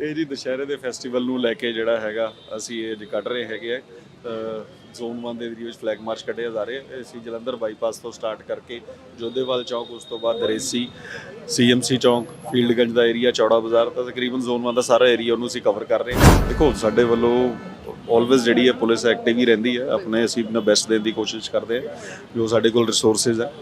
ਇਹ ਜੀ ਦੁਸ਼ਹਿਰੇ ਦੇ ਫੈਸਟੀਵਲ ਨੂੰ ਲੈ ਕੇ ਜਿਹੜਾ ਹੈਗਾ ਅਸੀਂ ਇਹ ਕੱਢ ਰਹੇ ਹੈਗੇ ਆ ਜ਼ੋਨ 1 ਦੇ ਏਰੀਆ ਵਿੱਚ ਫਲੈਗ ਮਾਰਚ ਕੱਢਿਆ ਜਾ ਰਿਹਾ। ਅਸੀਂ ਜਲੰਧਰ ਬਾਈਪਾਸ ਤੋਂ ਸਟਾਰਟ ਕਰਕੇ ਜੋਧੇਵਾਲ ਚੌਕ, ਉਸ ਤੋਂ ਬਾਅਦ ਦਰੇਸੀ, ਸੀਐਮਸੀ ਚੌਕ, ਫੀਲਡਗੰਜ ਦਾ ਏਰੀਆ, ਚੌੜਾ ਬਾਜ਼ਾਰ, ਤਾਂ ਤਕਰੀਬਨ ਜ਼ੋਨ 1 ਦਾ ਸਾਰਾ ਏਰੀਆ ਉਹਨੂੰ ਅਸੀਂ ਕਵਰ ਕਰ ਰਹੇ ਹਾਂ। ਦੇਖੋ ਸਾਡੇ ਵੱਲੋਂ ਆਲਵੇਜ਼ ਜਿਹੜੀ ਹੈ ਪੁਲਿਸ ਐਕਟਿਵ ਹੀ ਰਹਿੰਦੀ ਹੈ, ਆਪਣੇ ਅਸੀਂ ਆਪਣਾ ਬੈਸਟ ਦੇਣ ਦੀ ਕੋਸ਼ਿਸ਼ ਕਰਦੇ ਹਾਂ ਜੋ ਸਾਡੇ ਕੋਲ ਰਿਸੋਰਸਿਸ ਹੈ।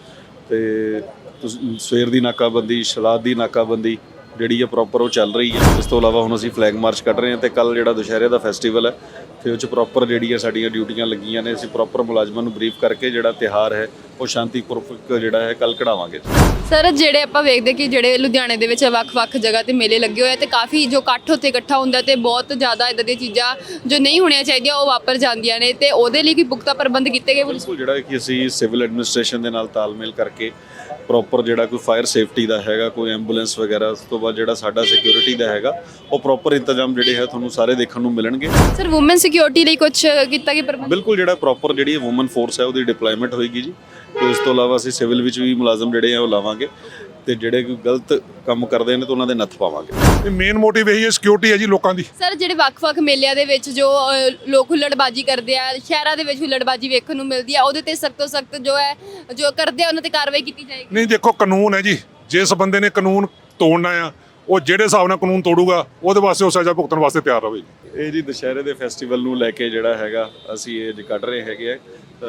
ਤੇ ਸਵੇਰ ਦੀ ਨਾਕਾਬੰਦੀ, ਸ਼ਰਾਧ ਦੀ ਨਾਕਾਬੰਦੀ ਜਿਹੜੀ ਹੈ ਪ੍ਰੋਪਰ ਉਹ ਚੱਲ ਰਹੀ ਹੈ। ਇਸ ਤੋਂ ਇਲਾਵਾ ਹੁਣ ਅਸੀਂ ਫਲੈਗ ਮਾਰਚ ਕੱਢ ਰਹੇ ਹਾਂ ਤੇ ਕੱਲ ਜਿਹੜਾ ਦੁਸ਼ਹਿਰੇ ਦਾ ਫੈਸਟੀਵਲ ਹੈ ਤੇ ਉਹ 'ਚ ਪ੍ਰੋਪਰ ਜਿਹੜੀ ਹੈ ਸਾਡੀਆਂ ਡਿਊਟੀਆਂ ਲੱਗੀਆਂ ਨੇ। ਅਸੀਂ ਪ੍ਰੋਪਰ ਮੁਲਾਜ਼ਮਾਂ ਨੂੰ ਬਰੀਫ ਕਰਕੇ ਜਿਹੜਾ ਤਿਉਹਾਰ ਹੈ ਉਹ ਸ਼ਾਂਤੀਪੂਰਵਕ ਜਿਹੜਾ ਹੈ ਕੱਲ ਕਢਾਵਾਂਗੇ। ਸਰ ਜਿਹੜੇ ਆਪਾਂ ਵੇਖਦੇ ਕਿ ਜਿਹੜੇ ਲੁਧਿਆਣੇ ਦੇ ਵਿੱਚ ਵੱਖ-ਵੱਖ ਜਗ੍ਹਾ ਤੇ ਮੇਲੇ ਲੱਗੇ ਹੋਏ ਤੇ ਕਾਫੀ ਜੋ ਇਕੱਠ ਉੱਥੇ ਇਕੱਠਾ ਹੁੰਦਾ ਤੇ ਬਹੁਤ ਜ਼ਿਆਦਾ ਇਦਾਂ ਦੀਆਂ ਚੀਜ਼ਾਂ ਜੋ ਨਹੀਂ ਹੋਣੀਆਂ ਚਾਹੀਦੀਆਂ ਉਹ ਵਾਪਰ ਜਾਂਦੀਆਂ ਨੇ ਤੇ ਉਹਦੇ ਲਈ ਕੀ ਪੁਖਤਾ ਪ੍ਰਬੰਧ ਕੀਤੇ ਗਏ? ਬਿਲਕੁਲ, ਜਿਹੜਾ ਕਿ ਅਸੀਂ ਸਿਵਲ ਐਡਮਿਨਿਸਟ੍ਰੇਸ਼ਨ ਦੇ ਨਾਲ ਤਾਲਮੇਲ ਕਰਕੇ ਪ੍ਰੋਪਰ ਜਿਹੜਾ ਕੋਈ ਫਾਇਰ ਸੇਫਟੀ ਦਾ ਹੈਗਾ, ਕੋਈ ਐਂਬੂਲੈਂਸ ਵਗੈਰਾ, ਉਸ ਤੋਂ ਬਾਅਦ ਜਿਹੜਾ ਸਾਡਾ ਸਿਕਿਉਰਿਟੀ ਦਾ ਹੈਗਾ ਉਹ ਪ੍ਰੋਪਰ ਇੰਤਜ਼ਾਮ ਜਿਹੜੇ ਹੈ ਤੁਹਾਨੂੰ ਸਾਰੇ ਦੇਖਣ ਨੂੰ ਮਿਲਣਗੇ। ਸਰ ਵੂਮਨ ਸਿਕਿਉਰਿਟੀ ਲਈ ਕੁਝ ਕੀਤਾ ਗਿਆ ਪ੍ਰਬੰਧ? ਬਿਲਕੁਲ, ਜਿਹੜਾ ਪ੍ਰੋਪਰ ਜਿਹੜੀ ਵੂਮਨ ਫੋਰਸ ਹੈ ਉਹਦੀ ਡਿਪਲੋਇਮੈਂਟ ਹੋਏਗੀ ਜੀ। ਤੇ ਇਸ ਤੋਂ ਇਲਾਵਾ ਅਸੀਂ ਸਿਵਲ ਵਿੱਚ ਵੀ ਮੁਲਾਜ਼ਮ ਜਿਹੜੇ ਆ ਉਹ ਲਾਵਾਂਗੇ ਤੇ ਜਿਹੜੇ ਕੋਈ ਗਲਤ ਕੰਮ ਕਰਦੇ ਨੇ ਤਾਂ ਉਹਨਾਂ ਦੇ ਨੱਥ ਪਾਵਾਂਗੇ। ਮੇਨ ਮੋਟਿਵ ਇਹੀ ਹੈ, ਸਿਕਿਉਰਿਟੀ ਹੈ ਜੀ ਲੋਕਾਂ ਦੀ। ਸਰ ਜਿਹੜੇ ਵੱਖ-ਵੱਖ ਮੇਲਿਆਂ ਦੇ ਵਿੱਚ ਜੋ ਲੋਕ ਹੁੱਲੜਬਾਜੀ ਕਰਦੇ ਆ, ਸ਼ਹਿਰਾਂ ਦੇ ਵਿੱਚ ਹੁੱਲੜਬਾਜੀ ਵੇਖਣ ਨੂੰ ਮਿਲਦੀ ਆ, ਉਹਦੇ ਤੇ ਸਖਤ ਤੋਂ ਸਖਤ ਜੋ ਕਰਦੇ ਆ ਉਹਨਾਂ ਤੇ ਕਾਰਵਾਈ ਕੀਤੀ ਜਾਏਗੀ? ਨਹੀਂ, ਦੇਖੋ ਕਾਨੂੰਨ ਹੈ ਜੀ, ਜਿਸ ਬੰਦੇ ਨੇ ਕਾਨੂੰਨ ਤੋੜਨਾ ਆ ਉਹ ਜਿਹੜੇ ਹਿਸਾਬ ਨਾਲ ਕਾਨੂੰਨ ਤੋੜੂਗਾ ਉਹਦੇ ਵਾਸਤੇ ਉਹ ਸਜ਼ਾ ਭੁਗਤਣ ਵਾਸਤੇ ਤਿਆਰ ਰਹੇ ਜੀ। ਇਹ ਜੀ ਦੁਸ਼ਹਿਰੇ ਦੇ ਫੈਸਟੀਵਲ ਨੂੰ ਲੈ ਕੇ ਜਿਹੜਾ ਹੈਗਾ ਅਸੀਂ ਇਹ ਕੱਢ ਰਹੇ ਹੈਗੇ ਆ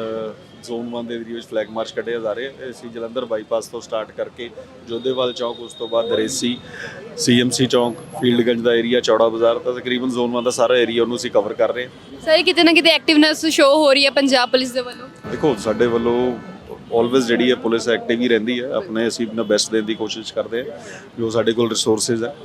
ਜ਼ੋਨ 1 ਦੇ ਏਰੀਆ ਵਿੱਚ ਫਲੈਗ ਮਾਰਚ ਕੱਢਿਆ ਜਾ ਰਿਹਾ। ਅਸੀਂ ਜਲੰਧਰ ਬਾਈਪਾਸ ਤੋਂ ਸਟਾਰਟ ਕਰਕੇ ਜੋਧੇਵਾਲ ਚੌਕ, ਉਸ ਤੋਂ ਬਾਅਦ ਦਰੇਸੀ, ਸੀਐਮਸੀ ਚੌਕ, ਫੀਲਡਗੰਜ ਦਾ ਏਰੀਆ, ਚੌੜਾ ਬਾਜ਼ਾਰ, ਤਾਂ ਤਕਰੀਬਨ ਜ਼ੋਨ 1 ਦਾ ਸਾਰਾ ਏਰੀਆ ਉਹਨੂੰ ਅਸੀਂ ਕਵਰ ਕਰ ਰਹੇ ਹਾਂ। ਸਰ ਕਿਤੇ ਨਾ ਕਿਤੇ ਐਕਟਿਵਨੈਸ ਸ਼ੋ ਹੋ ਰਹੀ ਹੈ ਪੰਜਾਬ ਪੁਲਿਸ ਦੇ ਵੱਲੋਂ? ਦੇਖੋ ਸਾਡੇ ਵੱਲੋਂ ਆਲਵੇਜ਼ ਜਿਹੜੀ ਹੈ ਪੁਲਿਸ ਐਕਟਿਵ ਹੀ ਰਹਿੰਦੀ ਹੈ, ਆਪਣੇ ਅਸੀਂ ਆਪਣਾ ਬੈਸਟ ਦੇਣ ਦੀ ਕੋਸ਼ਿਸ਼ ਕਰਦੇ ਹਾਂ ਜੋ ਸਾਡੇ ਕੋਲ ਰਿਸੋਰਸਿਸ ਹੈ।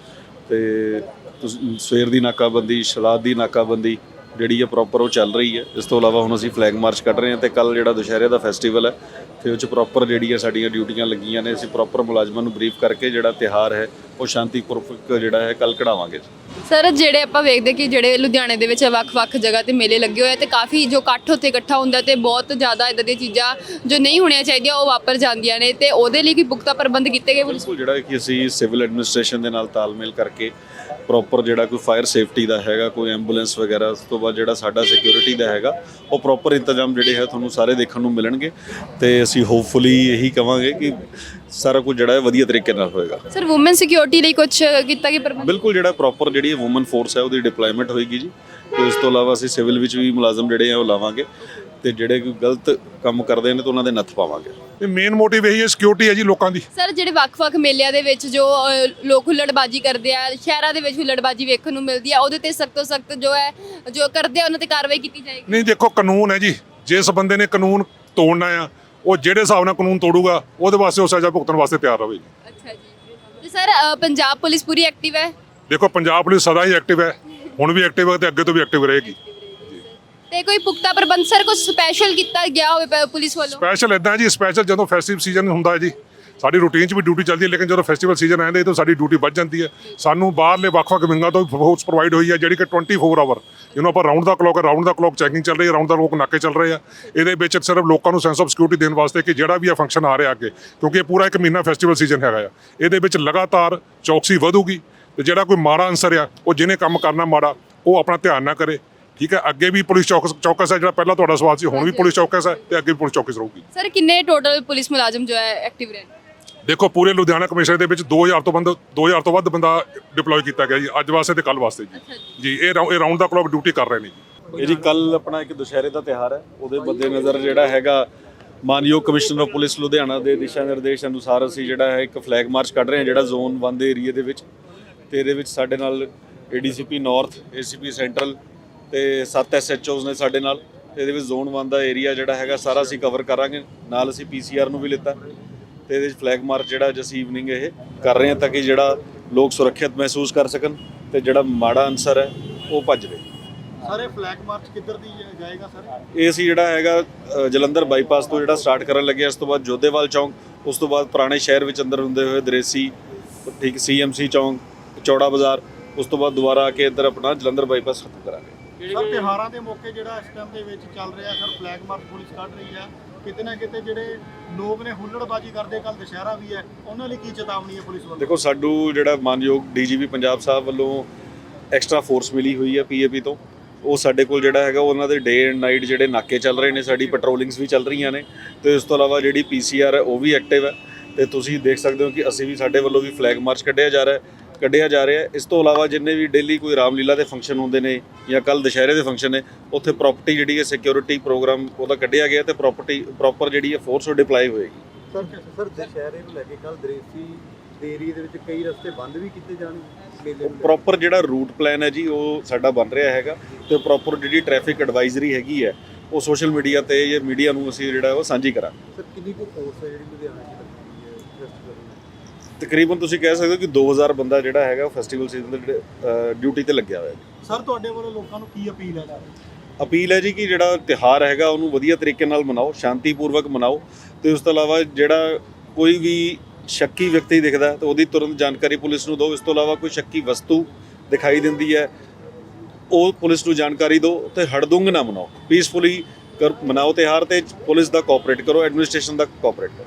ਤੇ ਸਵੇਰ ਦੀ ਨਾਕਾਬੰਦੀ, ਸ਼ਰਾਧ ਦੀ ਨਾਕਾਬੰਦੀ ਜਿਹੜੀ ਹੈ ਪ੍ਰੋਪਰ ਉਹ ਚੱਲ ਰਹੀ ਹੈ। ਇਸ ਤੋਂ ਇਲਾਵਾ ਹੁਣ ਅਸੀਂ ਫਲੈਗ ਮਾਰਚ ਕੱਢ ਰਹੇ ਹਾਂ ਤੇ ਕੱਲ ਜਿਹੜਾ ਦੁਸ਼ਹਿਰੇ ਦਾ ਫੈਸਟੀਵਲ ਹੈ ਤੇ ਉਹ 'ਚ ਪ੍ਰੋਪਰ ਜਿਹੜੀ ਹੈ ਸਾਡੀਆਂ ਡਿਊਟੀਆਂ ਲੱਗੀਆਂ ਨੇ। ਅਸੀਂ ਪ੍ਰੋਪਰ ਮੁਲਾਜ਼ਮਾਂ ਨੂੰ ਬਰੀਫ ਕਰਕੇ ਜਿਹੜਾ ਤਿਉਹਾਰ ਹੈ ਉਹ ਸ਼ਾਂਤੀਪੂਰਵਕ ਜਿਹੜਾ ਹੈ ਕੱਲ ਕਢਾਵਾਂਗੇ। ਸਰ ਜਿਹੜੇ ਆਪਾਂ ਵੇਖਦੇ ਕਿ ਜਿਹੜੇ ਲੁਧਿਆਣੇ ਦੇ ਵਿੱਚ ਵੱਖ-ਵੱਖ ਜਗ੍ਹਾ ਤੇ ਮੇਲੇ ਲੱਗੇ ਹੋਏ ਤੇ ਕਾਫੀ ਜੋ ਇਕੱਠ ਉੱਥੇ ਇਕੱਠਾ ਹੁੰਦਾ ਤੇ ਬਹੁਤ ਜ਼ਿਆਦਾ ਇਦਾਂ ਦੀਆਂ ਚੀਜ਼ਾਂ ਜੋ ਨਹੀਂ ਹੋਣੀਆਂ ਚਾਹੀਦੀਆਂ ਉਹ ਵਾਪਰ ਜਾਂਦੀਆਂ ਨੇ ਤੇ ਉਹਦੇ ਲਈ ਕੀ ਪੁਖਤਾ ਪ੍ਰਬੰਧ ਕੀਤੇ ਗਏ? ਬਿਲਕੁਲ, ਜਿਹੜਾ ਕਿ ਅਸੀਂ ਸਿਵਲ ਐਡਮਿਨਿਸਟ੍ਰੇਸ਼ਨ ਦੇ ਨਾਲ ਤਾਲਮੇਲ ਕਰਕੇ ਪ੍ਰੋਪਰ ਜਿਹੜਾ ਕੋਈ ਫਾਇਰ ਸੇਫਟੀ ਦਾ ਹੈਗਾ, ਕੋਈ ਐਂਬੂਲੈਂਸ ਵਗੈਰਾ, ਉਸ ਤੋਂ ਬਾਅਦ ਜਿਹੜਾ ਸਾਡਾ ਸਿਕਿਉਰਿਟੀ ਦਾ ਹੈਗਾ ਉਹ ਪ੍ਰੋਪਰ ਇੰਤਜ਼ਾਮ ਜਿਹੜੇ ਹੈ ਤੁਹਾਨੂੰ ਸਾਰੇ ਦੇਖਣ ਨੂੰ ਮਿਲਣਗੇ। ਤੇ ਅਸੀਂ ਹੋਪਫੁਲੀ ਇਹੀ ਕਵਾਂਗੇ ਕਿ ਸਾਰਾ ਕੁਝ ਜਿਹੜਾ ਹੈ ਵਧੀਆ ਤਰੀਕੇ ਨਾਲ ਹੋਏਗਾ। ਸਰ ਵੂਮਨ ਸਿਕਿਉਰਿਟੀ ਲਈ ਕੁਝ ਕੀਤਾ ਗਿਆ ਪ੍ਰਬੰਧ? ਬਿਲਕੁਲ, ਜਿਹੜਾ ਪ੍ਰੋਪਰ ਜਿਹੜੀ ਵੂਮਨ ਫੋਰਸ ਹੈ ਉਹਦੀ ਡਿਪਲੋਇਮੈਂਟ ਹੋਏਗੀ ਜੀ। ਤੇ ਇਸ ਤੋਂ ਇਲਾਵਾ ਅਸੀਂ ਸਿਵਲ ਵਿੱਚ ਵੀ ਮੁਲਾਜ਼ਮ ਜਿਹੜੇ ਆ ਉਹ ਲਾਵਾਂਗੇ ਤੇ ਜਿਹੜੇ ਕੋਈ ਗਲਤ ਕੰਮ ਕਰਦੇ ਨੇ ਤਾਂ ਉਹਨਾਂ ਦੇ ਨੱਥ ਪਾਵਾਂਗੇ। ਮੇਨ ਮੋਟਿਵ ਇਹੀ ਹੈ, ਸਿਕਿਉਰਿਟੀ ਹੈ ਜੀ ਲੋਕਾਂ ਦੀ। ਸਰ ਜਿਹੜੇ ਵੱਖ-ਵੱਖ ਮੇਲਿਆਂ ਦੇ ਵਿੱਚ ਜੋ ਲੋਕ ਹੁੱਲੜਬਾਜੀ ਕਰਦੇ ਆ, ਸ਼ਹਿਰਾਂ ਦੇ ਵਿੱਚ ਹੁੱਲੜਬਾਜੀ ਵੇਖਣ ਨੂੰ ਮਿਲਦੀ ਆ, ਉਹਦੇ ਤੇ ਸਖਤ ਤੋਂ ਸਖਤ ਜੋ ਕਰਦੇ ਆ ਉਹਨਾਂ ਤੇ ਕਾਰਵਾਈ ਕੀਤੀ ਜਾਏਗੀ? ਨਹੀਂ, ਦੇਖੋ ਕਾਨੂੰਨ ਹੈ ਜੀ, ਜਿਸ ਬੰਦੇ ਨੇ ਕਾਨੂੰਨ ਤੋੜਨਾ ਆ ਉਹ ਜਿਹੜੇ ਹਿਸਾਬ ਨਾਲ ਕਾਨੂੰਨ ਤੋੜੂਗਾ ਉਹਦੇ ਵਾਸਤੇ ਉਹ ਸਜ਼ਾ ਭੁਗਤਣ ਵਾਸਤੇ ਤਿਆਰ ਰਹੇ ਜੀ। ਅੱਛਾ ਜੀ। ਤੇ ਸਰ ਪੰਜਾਬ ਪੁਲਿਸ ਪੂਰੀ ਐਕਟਿਵ ਹੈ? ਦੇਖੋ ਪੰਜਾਬ ਪੁਲਿਸ ਸਦਾ ਹੀ ਐਕਟਿਵ ਹੈ, ਹੁਣ ਵੀ ਐਕਟਿਵ ਹੈ ਤੇ ਅੱਗੇ ਤੋਂ ਵੀ ਐਕਟਿਵ ਰਹੇਗੀ। ਤੇ ਕੋਈ ਪੁਖਤਾ ਪ੍ਰਬੰਧ ਸਰ ਕੁਝ ਸਪੈਸ਼ਲ ਕੀਤਾ ਗਿਆ ਹੋਵੇ ਪੁਲਿਸ ਵੱਲੋਂ? ਸਪੈਸ਼ਲ ਇਦਾਂ ਜੀ, ਸਪੈਸ਼ਲ ਜਦੋਂ ਫੈਸਟੀਵਲ ਸੀਜ਼ਨ ਹੁੰਦਾ ਹੈ ਜੀ ਸਾਡੀ ਰੂਟੀਨ 'ਚ ਵੀ ਡਿਊਟੀ ਚੱਲਦੀ ਹੈ, ਲੇਕਿਨ ਜਦੋਂ ਫੈਸਟੀਵਲ ਸੀਜ਼ਨ ਆਉਂਦਾ ਤਾਂ ਸਾਡੀ ਡਿਊਟੀ ਵੱਧ ਜਾਂਦੀ ਹੈ। ਸਾਨੂੰ ਬਾਹਰਲੇ ਵੱਖ-ਵੱਖ ਵਿੰਗਾਂ ਤੋਂ ਫੋਰਸ ਪ੍ਰੋਵਾਈਡ ਹੋਈ ਹੈ ਜਿਹੜੀ ਕਿ 24 ਆਵਰ ਜਿਹਨੂੰ ਆਪਾਂ ਰਾਊਂਡ ਦਾ ਕਲੌਕ ਚੈਕਿੰਗ ਚੱਲ ਰਹੀ ਹੈ, ਰਾਊਂਡ ਦਾ ਕਲੌਕ ਨਾਕੇ ਚੱਲ ਰਹੇ ਆ। ਇਹਦੇ ਵਿੱਚ ਸਿਰਫ ਲੋਕਾਂ ਨੂੰ ਸੈਂਸ ਆਫ ਸਿਕਿਉਰਿਟੀ ਦੇਣ ਵਾਸਤੇ ਕਿ ਜਿਹੜਾ ਵੀ ਇਹ ਫੰਕਸ਼ਨ ਆ ਰਿਹਾ ਅੱਗੇ, ਕਿਉਂਕਿ ਇਹ ਪੂਰਾ 1 ਮਹੀਨਾ ਫੈਸਟੀਵਲ ਸੀਜ਼ਨ ਹੈਗਾ ਆ, ਇਹਦੇ ਵਿੱਚ ਲਗਾਤਾਰ ਚੌਕਸੀ ਵਧੂਗੀ ਤੇ ਜਿਹੜਾ ਕੋਈ ਮਾੜਾ ਅਨਸਰ ਆ ਉਹ ਜਿਹਨੇ ਕੰਮ ਕਰਨਾ ਮਾੜਾ ਉਹ ਆਪਣਾ ਧਿਆਨ ਨਾ ਕਰੇ। ਠੀਕ ਹੈ, ਅੱਗੇ ਵੀ ਪੁਲਿਸ ਚੌਕਸ ਹੈ, ਜਿਹੜਾ ਪਹਿਲਾਂ ਤੁਹਾਡਾ ਸਵਾਲ ਸੀ, ਹੁਣ ਵੀ ਪੁਲਿਸ ਚੌਕਸ ਹੈ ਤੇ ਅੱਗੇ ਵੀ ਪੁਲਿਸ ਚੌਕਸ ਰਹੂਗੀ। ਸਰ ਕਿੰਨੇ ਟੋਟਲ ਪੁਲਿਸ ਮੁਲਾਜ਼ਮ ਜੋ ਹੈ ਐਕਟਿਵ ਰਹੇ? ਦੇਖੋ ਪੂਰੇ ਲੁਧਿਆਣਾ ਕਮਿਸ਼ਨਰ ਦੇ ਵਿੱਚ 2000 ਤੋਂ ਵੱਧ ਬੰਦਾ ਡਿਪਲੋਏ ਕੀਤਾ ਗਿਆ ਜੀ, ਅੱਜ ਵਾਸਤੇ ਤੇ ਕੱਲ ਵਾਸਤੇ ਜੀ। ਇਹ ਰਾਊਂਡ ਦਾ ਕਲੌਕ ਡਿਊਟੀ ਕਰ ਰਹੇ ਨੇ ਜੀ। ਇਹ ਜੀ ਕੱਲ ਆਪਣਾ ਇੱਕ ਦੁਸ਼ਹਿਰੇ ਦਾ ਤਿਉਹਾਰ ਹੈ, ਉਹਦੇ ਮੱਦੇ ਨਜ਼ਰ ਜਿਹੜਾ ਹੈਗਾ ਮਾਨਯੋਗ ਕਮਿਸ਼ਨਰ ਆਫ ਪੁਲਿਸ ਲੁਧਿਆਣਾ ਦੇ ਦਿਸ਼ਾ ਨਿਰਦੇਸ਼ ਅਨੁਸਾਰ ਅਸੀਂ ਜਿਹੜਾ ਹੈ ਇੱਕ ਫਲੈਗ ਮਾਰਚ ਕੱਢ ਰਹੇ ਹਾਂ ਜਿਹੜਾ ਜ਼ੋਨ 1 ਦੇ ਏਰੀਆ ਦੇ ਵਿੱਚ। ਤੇ ਇਹਦੇ ਵਿੱਚ ਸਾਡੇ ਨਾਲ ਏਡੀਸੀਪੀ ਨਾਰਥ, ਏਸੀਪੀ ਸੈਂਟਰਲ ਤੇ 7 ਐਸਐਚਓਜ਼ ਨੇ ਸਾਡੇ ਨਾਲ। ਤੇ ਇਹਦੇ ਵਿੱਚ ਜ਼ੋਨ 1 ਦਾ ਏਰੀਆ ਜਿਹੜਾ ਹੈਗਾ ਸਾਰਾ ਅਸੀਂ ਕਵਰ ਕਰਾਂਗੇ, ਨਾਲ ਅਸੀਂ ਪੀਸੀਆਰ ਨੂੰ ਵੀ ਲਿੱਤਾ ਤੇ ਇਹਦੇ ਵਿੱਚ ਫਲੈਗ ਮਾਰਚ ਜਿਹੜਾ ਅੱਜ ਅਸੀਂ ਈਵਨਿੰਗ ਇਹ ਕਰ ਰਹੇ ਹਾਂ ਤਾਂ ਕਿ ਜਿਹੜਾ ਲੋਕ ਸੁਰੱਖਿਅਤ ਮਹਿਸੂਸ ਕਰ ਸਕਣ ਤੇ ਜਿਹੜਾ ਮਾੜਾ ਅਨਸਰ ਹੈ ਉਹ ਭੱਜ ਜਾਵੇ। ਸਾਰੇ ਫਲੈਗ ਮਾਰਚ ਕਿੱਧਰ ਦੀ ਜਾਏਗਾ ਸਰ? ਇਹ ਅਸੀਂ ਜਿਹੜਾ ਹੈਗਾ ਜਲੰਧਰ ਬਾਈਪਾਸ ਤੋਂ ਜਿਹੜਾ ਸਟਾਰਟ ਕਰਨ ਲੱਗੇ, ਇਸ ਤੋਂ ਬਾਅਦ ਜੋਧੇਵਾਲ ਚੌਂਕ, ਉਸ ਤੋਂ ਬਾਅਦ ਪੁਰਾਣੇ ਸ਼ਹਿਰ ਵਿੱਚ ਅੰਦਰ ਹੁੰਦੇ ਹੋਏ ਦਰੇਸੀ, ਠੀਕ ਸੀਐਮਸੀ ਚੌਂਕ, ਚੌੜਾ ਬਾਜ਼ਾਰ, ਉਸ ਤੋਂ ਬਾਅਦ ਦੁਬਾਰਾ ਆ ਕੇ ਇੱਧਰ ਆਪਣਾ ਜਲੰਧਰ ਬਾਈਪਾਸ ਖਤਮ ਕਰਾਂਗੇ। ਸਰ ਤਿਉਹਾਰਾਂ ਦੇ ਮੌਕੇ ਜਿਹੜਾ ਇਸ ਟਾਈਮ ਦੇ ਵਿੱਚ ਚੱਲ ਰਿਹਾ ਸਰ ਫਲੈਗ ਮਾਰਚ ਪੁਲਿਸ ਕੱਢ ਰਹੀ ਹੈ, ਕਿਤੇ ਨਾ ਕਿਤੇ ਜਿਹੜੇ ਲੋਕ ਨੇ ਹੁੱਲੜਬਾਜੀ ਕਰਦੇ, ਕੱਲ ਦੁਸ਼ਹਿਰਾ ਵੀ ਹੈ, ਉਹਨਾਂ ਲਈ ਕੀ ਚੇਤਾਵਨੀ ਹੈ ਪੁਲਿਸ ਵੱਲੋਂ? ਦੇਖੋ ਸਾਡੂ ਜਿਹੜਾ ਮਾਨਯੋਗ ਡੀਜੀਪੀ ਪੰਜਾਬ ਸਾਹਿਬ ਵੱਲੋਂ ਐਕਸਟਰਾ ਫੋਰਸ ਮਿਲੀ ਹੋਈ ਹੈ ਪੀਏਪੀ ਤੋਂ। ਉਹ ਸਾਡੇ ਕੋਲ ਜਿਹੜਾ ਹੈਗਾ ਉਹਨਾਂ ਦੇ ਡੇ ਐਂਡ ਨਾਈਟ ਜਿਹੜੇ ਨਾਕੇ ਚੱਲ ਰਹੇ ਨੇ, ਸਾਡੀ ਪੈਟਰੋਲਿੰਗਸ ਵੀ ਚੱਲ ਰਹੀਆਂ ਨੇ, ਤੇ ਇਸ ਤੋਂ ਇਲਾਵਾ ਜਿਹੜੀ ਪੀਸੀਆਰ ਹੈ ਉਹ ਵੀ ਐਕਟਿਵ ਹੈ। ਤੇ ਤੁਸੀਂ ਦੇਖ ਸਕਦੇ ਹੋ ਕਿ ਅਸੀਂ ਵੀ, ਸਾਡੇ ਵੱਲੋਂ ਵੀ ਫਲੈਗ ਮਾਰਚ ਕੱਢਿਆ ਜਾ ਰਿਹਾ ਹੈ। ਇਸ ਤੋਂ ਇਲਾਵਾ ਜਿੰਨੇ ਵੀ ਡੇਲੀ ਕੋਈ ਰਾਮਲੀਲਾ ਦੇ ਫੰਕਸ਼ਨ ਹੁੰਦੇ ਨੇ ਜਾਂ ਕੱਲ ਦੁਸ਼ਹਿਰੇ ਦੇ ਫੰਕਸ਼ਨ ਨੇ, ਉੱਥੇ ਪ੍ਰੋਪਰਟੀ ਜਿਹੜੀ ਹੈ ਸਿਕਿਉਰਿਟੀ ਪ੍ਰੋਗਰਾਮ ਉਹਦਾ ਕੱਢਿਆ ਗਿਆ ਤੇ ਪ੍ਰੋਪਰਟੀ ਪ੍ਰੋਪਰ ਜਿਹੜੀ ਹੈ ਫੋਰਸ ਉਹ ਡਿਪਲਾਈ ਹੋਏਗੀ। ਸਰ ਦੁਸ਼ਹਿਰੇ ਨੂੰ ਲੈ ਕੇ ਕੱਲ ਦਰੇਸੀ ਦੇ ਏਰੀਏ ਦੇ ਵਿੱਚ ਕਈ ਰਸਤੇ ਬੰਦ ਵੀ ਕੀਤੇ ਜਾਣਗੇ ਮੇਲੇ ਨੂੰ। ਪ੍ਰੋਪਰ ਜਿਹੜਾ ਰੂਟ ਪਲਾਨ ਹੈ ਜੀ ਉਹ ਸਾਡਾ ਬਣ ਰਿਹਾ ਹੈਗਾ, ਤੇ ਪ੍ਰੋਪਰ ਜਿਹੜੀ ਟ੍ਰੈਫਿਕ ਐਡਵਾਈਜ਼ਰੀ ਹੈਗੀ ਹੈ ਉਹ ਸੋਸ਼ਲ ਮੀਡੀਆ ਤੇ ਜਾਂ ਮੀਡੀਆ ਨੂੰ ਅਸੀਂ ਜਿਹੜਾ ਉਹ ਸਾਂਝੀ ਕਰਾਂਗੇ। ਸਰ ਕਿੰਨੀ ਕੁ ਫੋਰਸ ਹੈ ਜਿਹੜੀ ਲੁਧਿਆਣਾ 'ਚ ਲੱਗੀ ਹੋਈ ਹੈ ਫੈਸਟੀਵਲ ਨੂੰ? ਤਕਰੀਬਨ ਤੁਸੀਂ ਕਹਿ ਸਕਦੇ ਹੋ ਕਿ 2000 ਬੰਦਾ ਜਿਹੜਾ ਹੈਗਾ ਉਹ ਫੈਸਟੀਵਲ ਸੀਜ਼ਨ ਦੇ ਡਿਊਟੀ ਤੇ ਲੱਗਿਆ ਹੋਇਆ ਹੈ। ਸਰ ਤੁਹਾਡੇ ਵੱਲੋਂ ਲੋਕਾਂ ਨੂੰ ਕੀ ਅਪੀਲ ਹੈ? ਅਪੀਲ ਹੈ ਜੀ ਕਿ ਜਿਹੜਾ ਤਿਉਹਾਰ ਹੈਗਾ ਉਹਨੂੰ ਵਧੀਆ ਤਰੀਕੇ ਨਾਲ ਮਨਾਓ, ਸ਼ਾਂਤੀਪੂਰਵਕ ਮਨਾਓ, ਤੇ ਉਸ ਤੋਂ ਇਲਾਵਾ ਜਿਹੜਾ ਕੋਈ ਵੀ ਸ਼ੱਕੀ ਵਿਅਕਤੀ ਦਿਖਦਾ ਤਾਂ ਉਹਦੀ ਤੁਰੰਤ ਜਾਣਕਾਰੀ ਪੁਲਿਸ ਨੂੰ ਦਿਓ। ਇਸ ਤੋਂ ਇਲਾਵਾ ਕੋਈ ਸ਼ੱਕੀ ਵਸਤੂ ਦਿਖਾਈ ਦਿੰਦੀ ਹੈ ਉਹ ਪੁਲਿਸ ਨੂੰ ਜਾਣਕਾਰੀ ਦਿਓ, ਤੇ ਹੜਦੁੰਗ ਨਾ ਮਨਾਓ, ਪੀਸਫੁਲੀ ਮਨਾਓ ਤਿਉਹਾਰ, ਤੇ ਪੁਲਿਸ ਦਾ ਕੋਆਪਰੇਟ ਕਰੋ, ਐਡਮਿਨਿਸਟ੍ਰੇਸ਼ਨ ਦਾ ਕੋਆਪਰੇਟ ਕਰੋ।